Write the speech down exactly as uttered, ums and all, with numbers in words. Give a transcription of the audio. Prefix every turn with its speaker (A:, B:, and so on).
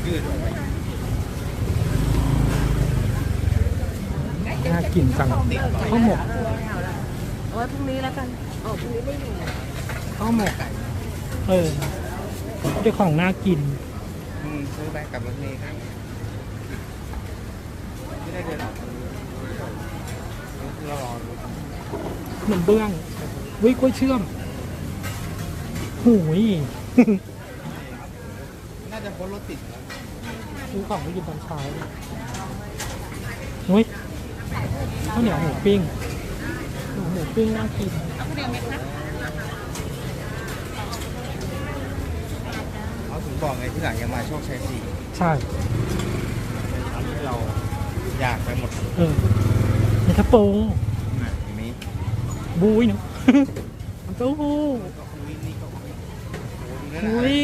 A: ยืดออกไป
B: น่ากินจังข้าวหมก
C: เอาไว้พรุ่งนี้แล้วกันอ๋อพรุ่งนี้ไม่มี
B: ข้าวหมกเออเจ้าของน่ากิน
A: อืมซื้อไปกับรถเมล์ครับไม่ได้เดินออกเรารอดู
B: ขนมเบื้องวิกล้วยเชื่อมหูย
A: น่าจะพ้นรถติดแล้ว
B: ซื้อของไปกินตอนเช้านุ้ยข้าวเหนียวหมูปิ้งหมูหมูปิ้งน่ากิน
C: เอาคนเดียวไหมคะ
A: เขาถึงบอกไงที่หลังยังมาโชคชัยสี่
B: ใช่
A: ทำให้เราอยากไปหมด
B: เออในกระโปรง
A: นะอย่างนี้
B: บุ้ยเนาะ มันเต้าหู้
A: ก็คุยนี่ก็คุยโอ้โหดูนั่น
B: อุ้
A: นะ
B: ย